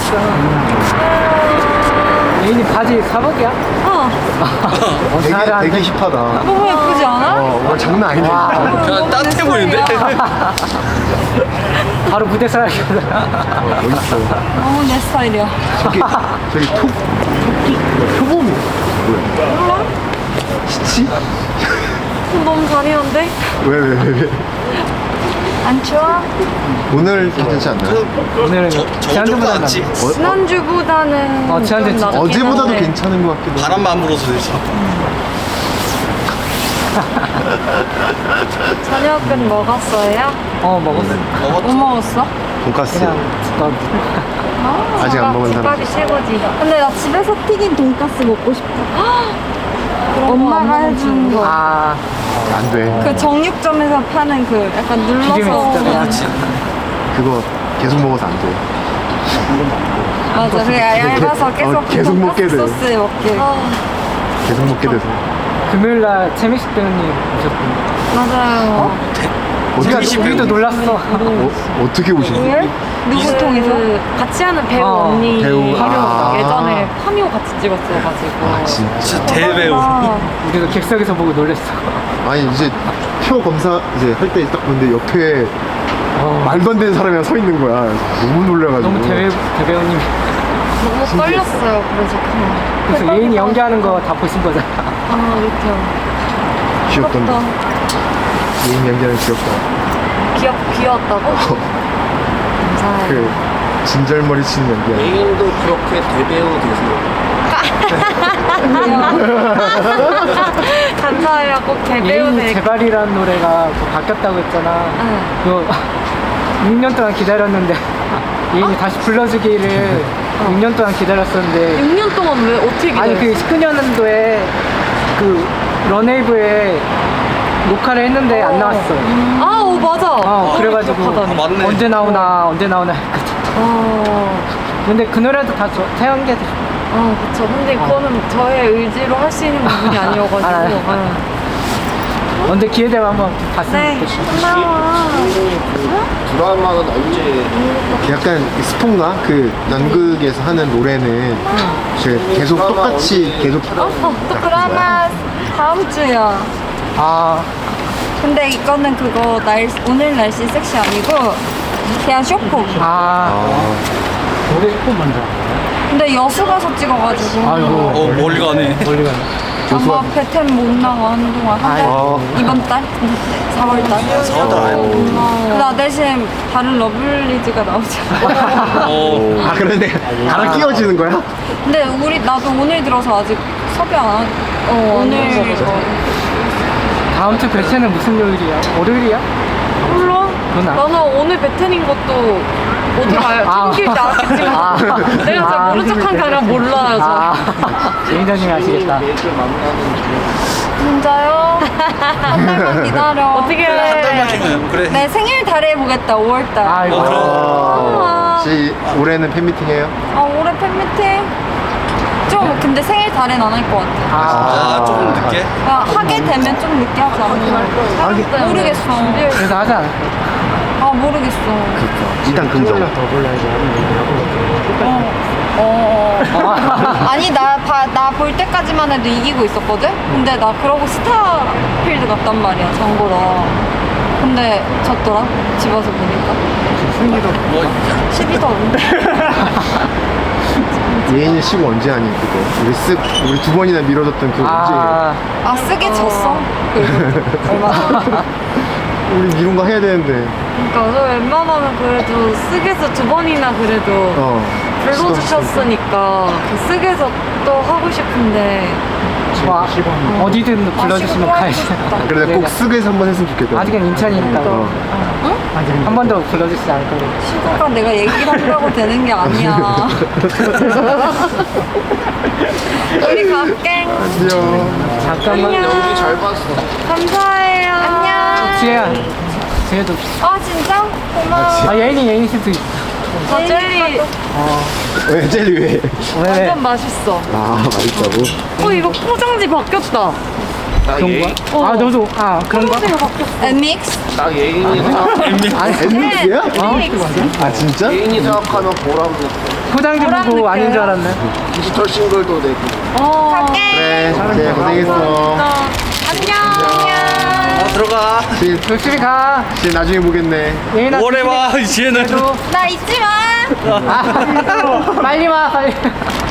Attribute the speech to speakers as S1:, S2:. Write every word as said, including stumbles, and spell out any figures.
S1: 예인이 바지 사복이야?
S2: 어.
S1: 어,
S3: 되게,
S1: 잘하는데.
S3: 되게 힙하다.
S2: 너무 예쁘지 않아?
S3: 어, 오늘 장난 아니네.
S4: 그냥 따뜻해 보이는데?
S1: 바로 무대 사람이야.
S3: 어, 멋있어.
S2: 너무 내 스타일이야.
S3: 저기, 저기 톡, 토끼, 표범이 뭐야?
S2: 몰라?
S3: 시치?
S2: 너무 잔인한데?
S3: 왜, 왜, 왜, 왜?
S2: 안 추워?
S3: 오늘 괜찮지 않나요?
S1: 오늘은
S4: 저, 저
S1: 지난주보다
S4: 정도 낫지?
S3: 어,
S2: 지난주보다는
S1: 어, 지난주
S2: 좀
S1: 진짜
S2: 낫긴
S3: 어제보다도
S2: 한데.
S3: 괜찮은 것 같기도 하고.
S4: 바람만 불어서 되지.
S2: 저녁은 먹었어요?
S1: 어 먹었어.
S2: 뭐 먹었어?
S3: 돈까스.
S1: 그냥 집밥.
S2: 아,
S3: 아직 안 먹은 사람.
S2: 집밥이 최고지. 근데 나 집에서 튀긴 돈가스 먹고 싶어. 엄마가 해준 거.
S1: 아
S3: 안 돼.
S2: 그 정육점에서 파는 그 약간 눌러서
S1: 기름이 진짜 그냥.
S4: 그치.
S3: 그거 계속 먹어서 안 돼.
S2: 맞아. 그래 얇아서 계속
S3: 어, 계속
S2: 그
S3: 먹게
S2: 돈가스
S3: 돼요.
S2: 소스에 먹게.
S3: 계속 먹게 돼서.
S1: 금요일 날 최민식 배우님 오셨군요.
S2: 맞아요.
S3: 어떻게,
S1: 우리가
S4: 최민식
S1: 우리도
S4: 배우님.
S1: 놀랐어.
S3: 어, 어떻게 오신 거예요?
S2: 왜? 누구 통해서?
S5: 같이 하는 배우
S1: 어,
S5: 언니
S3: 배우.
S5: 파묘
S3: 아.
S5: 예전에 파묘 같이 찍었어가지고
S3: 아, 진짜.
S4: 진짜 대배우.
S2: 아,
S1: 우리도 객석에서 보고 놀랬어.
S3: 아니, 이제 표 검사 이제 할 때 딱 보는데 옆에
S1: 어,
S3: 말도 안 되는 사람이랑 서 있는 거야. 너무 놀래가지고.
S1: 너무 대배 대배우님.
S5: 너무 떨렸어요. 그래서 그냥
S1: 그래서 예인이 연기하는 거 다 보신 거잖아.
S5: 아 이렇게
S3: 귀엽던데. 예인 연기하는 귀엽다.
S5: 귀엽 귀여웠다고? 감사해요.
S3: 그 진절머리 치는 연기야.
S4: 예인도 그렇게 대배우 되세요.
S5: 감사해요. 꼭 대배우
S1: 예인이
S5: 될
S1: 제발이라는 노래가 그 바뀌었다고 했잖아.
S5: 응.
S1: 그거 육 년 동안 기다렸는데 예인이 다시 불러주기를 육 년 동안 기다렸었는데
S5: 육 년 동안 왜 어떻게 기다렸어?
S1: 아니 그 십구 년도에 그 런웨이브에 녹화를 했는데 안 나왔어.
S5: 아, 오 맞아.
S1: 어,
S5: 아,
S1: 그래가지고
S5: 기억하다니.
S4: 아, 맞네.
S1: 언제 나오나 언제 나오나 했거든.
S5: 아,
S1: 근데 그 노래도 다 저, 태연 게
S5: 아 그쵸. 근데 그거는 저의 의지로 할 수 있는 부분이 아니어가지고.
S1: 알아요.
S5: 응.
S1: 언제 기회 되면 한번 봤으면
S2: 네.
S1: 좋겠어.
S2: 고마워.
S4: 드라마는 언제?
S3: 약간 스폰가 그 연극에서 하는 노래는 그 계속 똑같이 계속
S2: 어, 또 드라마 다음 주야.
S1: 아
S2: 근데 이거는 그거 날 오늘 날씨 섹시 아니고 그냥 쇼폼.
S1: 아.
S3: 아,
S1: 노래 조금 먼저.
S2: 근데 여수 가서 찍어가지고.
S1: 아이고.
S4: 어 멀리 가네.
S1: 멀리 가네.
S2: 아마 베텐 못 나가 한동안 한 달.
S3: 아.
S2: 이번 달? 사월 달.
S4: 사월 달 아니고.
S2: 나 대신 다른 러블리즈가 나오잖아.
S4: 어.
S3: 아 그런데 나랑 끼워지는 거야?
S2: 근데 우리 나도 오늘 들어서 아직 섭외 안 하. 어, 오늘
S1: 다음 주 배체는 무슨 요일이야? 월요일이야?
S5: 몰라.
S1: 그건 알-
S5: 나는 오늘 베텐인 것도 어디 가요?
S1: 아.
S5: 튕길 줄 알았겠지만
S1: 아.
S5: 내가 잘
S1: 아.
S5: 모른 척한 게 아니라 몰라요. 저.
S1: 아, 매니저님이 아시겠다.
S2: 진짜요? 한 달만 기다려.
S5: 어떻게
S4: 한 달만
S5: 해?
S4: 쉬면 그래.
S2: 내 생일 달에 해보겠다. 오월 달.
S1: 아이고.
S4: 어, 그럼.
S3: 아, 혹시 올해는 팬미팅 해요?
S2: 아 올해 팬미팅? 좀 근데 생일 달엔 안 할 것 같아.
S4: 아, 조금 늦게?
S2: 야, 하게 되면 좀 늦게 하지 않나? 모르겠어.
S1: 그래서 하지 않을까?
S2: 아 모르겠어.
S3: 일단 긍정.
S1: 더 불러야지.
S2: 어. 어. 어. 아니 나 나 볼 때까지만 해도 이기고 있었거든? 근데 나 그러고 스타필드 갔단 말이야 정보러. 근데 졌더라 집 와서 보니까
S1: 승리도
S4: 뭐
S2: 십이 더
S3: 예인이 시고 언제 하니 그거? 우리 쓱 우리 두 번이나 미뤄졌던 그
S1: 아,
S2: 아 쓰게 졌어? 그래서 얼마 전에.
S3: 언제? 우리 미룬 거 해야 되는데.
S5: 그러니까 저 웬만하면 그래도 쓰게서 두 번이나 그래도
S3: 어.
S5: 불러주셨으니까 그 쓰게서 또 하고 싶은데
S1: 뭐, 어디든 불러주시면 가야지.
S3: 그래 내가 꼭 쓱에서 한번 했으면 좋겠다.
S1: 아직은 인천이니까.
S3: 어.
S1: 한 번 더 불러주시지 않을 거예요.
S2: 친구가 내가 얘기를 한다고 되는 게 아니야. 우리 갈게.
S3: 안녕.
S1: 잠깐만.
S4: 연기 잘 봤어.
S2: 감사해요. 안녕.
S1: 지혜야. 지혜도.
S2: 아 진짜? 고마워.
S1: 아, 예인이, 예인이 씨도 있어.
S5: 아 젤리
S1: 어,
S3: 왜 젤리 왜?
S1: 왜, 왜?
S5: 완전 맛있어.
S3: 아 맛있다고?
S5: 어 이거 포장지 바뀌었다.
S1: 그런 거야?
S5: 어.
S1: 아, 너도, 아, 그런 거?
S5: 포장지가 바뀌었어.
S2: 엠믹스?
S4: 딱 예인이
S1: 아니,
S3: 엠믹스야?
S2: 엠믹스.
S3: 아 진짜?
S4: 예인이 생각하면 보람.
S1: 포장지
S5: 뭐랑
S1: 보고
S5: 느껴요?
S1: 아닌 줄 알았네.
S3: 디지털 싱글도 내고.
S5: 어.
S2: 갈게.
S3: 그래, 그래 고생했어.
S2: 안녕.
S4: 아, 들어가.
S3: 진,
S1: 조심히 가.
S3: 진 나중에 보겠네.
S1: 예인아
S4: 오래 봐, 이제는.
S1: 그래도
S2: 나 잊지 마.
S1: 아, 빨리 와 빨리.